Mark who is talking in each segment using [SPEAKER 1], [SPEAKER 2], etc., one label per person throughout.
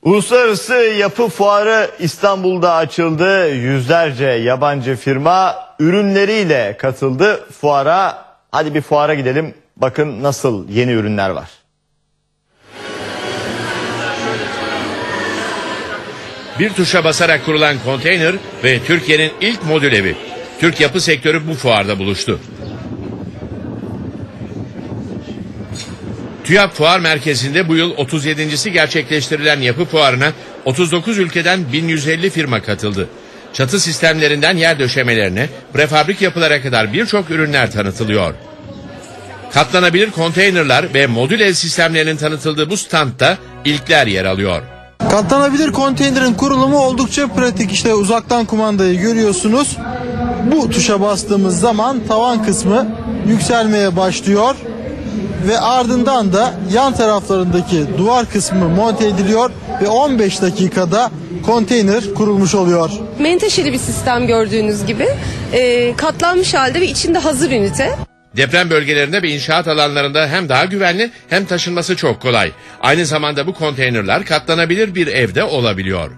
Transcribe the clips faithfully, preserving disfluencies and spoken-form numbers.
[SPEAKER 1] Uluslararası Yapı Fuarı İstanbul'da açıldı. Yüzlerce yabancı firma ürünleriyle katıldı fuara. Hadi bir fuara gidelim. Bakın nasıl yeni ürünler var.
[SPEAKER 2] Bir tuşa basarak kurulan konteyner ve Türkiye'nin ilk modül evi. Türk yapı sektörü bu fuarda buluştu. TÜYAP Fuar Merkezi'nde bu yıl otuz yedincisi gerçekleştirilen yapı fuarına otuz dokuz ülkeden bin yüz elli firma katıldı. Çatı sistemlerinden yer döşemelerine, prefabrik yapılara kadar birçok ürünler tanıtılıyor. Katlanabilir konteynerler ve modül ev sistemlerinin tanıtıldığı bu standta ilkler yer alıyor.
[SPEAKER 3] Katlanabilir konteynerin kurulumu oldukça pratik. İşte uzaktan kumandayı görüyorsunuz. Bu tuşa bastığımız zaman tavan kısmı yükselmeye başlıyor ve ardından da yan taraflarındaki duvar kısmı monte ediliyor ve on beş dakikada konteyner kurulmuş oluyor.
[SPEAKER 4] Menteşeli bir sistem gördüğünüz gibi e, katlanmış halde ve içinde hazır ünite.
[SPEAKER 2] Deprem bölgelerinde ve inşaat alanlarında hem daha güvenli hem taşınması çok kolay. Aynı zamanda bu konteynerler katlanabilir bir evde olabiliyor.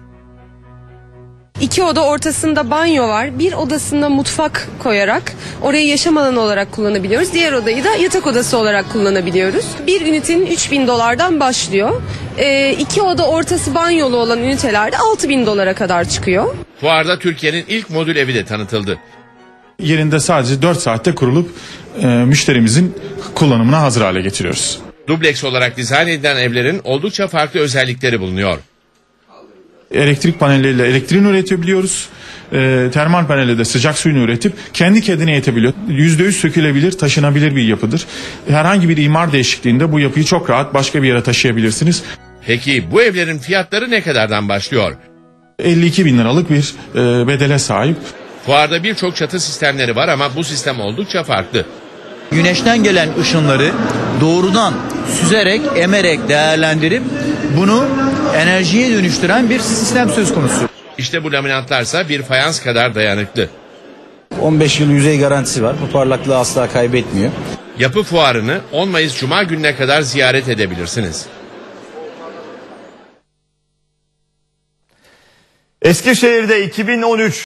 [SPEAKER 4] İki oda ortasında banyo var. Bir odasında mutfak koyarak orayı yaşam alanı olarak kullanabiliyoruz. Diğer odayı da yatak odası olarak kullanabiliyoruz. Bir ünitenin üç bin dolardan başlıyor. E, iki oda ortası banyolu olan ünitelerde altı bin dolara kadar çıkıyor.
[SPEAKER 2] Fuarda Türkiye'nin ilk modül evi de tanıtıldı.
[SPEAKER 5] Yerinde sadece dört saatte kurulup e, müşterimizin kullanımına hazır hale getiriyoruz.
[SPEAKER 2] Dubleks olarak dizayn edilen evlerin oldukça farklı özellikleri bulunuyor.
[SPEAKER 5] Elektrik panelleriyle elektriğini üretebiliyoruz. E, termal panelle de sıcak suyunu üretip kendi kendine yetebiliyor. yüzde yüz sökülebilir, taşınabilir bir yapıdır. Herhangi bir imar değişikliğinde bu yapıyı çok rahat başka bir yere taşıyabilirsiniz.
[SPEAKER 2] Peki bu evlerin fiyatları ne kadardan başlıyor?
[SPEAKER 5] elli iki bin liralık bir e, bedele sahip.
[SPEAKER 2] Fuarda birçok çatı sistemleri var ama bu sistem oldukça farklı.
[SPEAKER 6] Güneşten gelen ışınları doğrudan süzerek, emerek değerlendirip bunu enerjiye dönüştüren bir sistem söz konusu.
[SPEAKER 2] İşte bu laminatlarsa bir fayans kadar dayanıklı.
[SPEAKER 6] on beş yıl yüzey garantisi var. Bu parlaklığı asla kaybetmiyor.
[SPEAKER 2] Yapı fuarını on Mayıs Cuma gününe kadar ziyaret edebilirsiniz.
[SPEAKER 1] Eskişehir'de iki bin on üç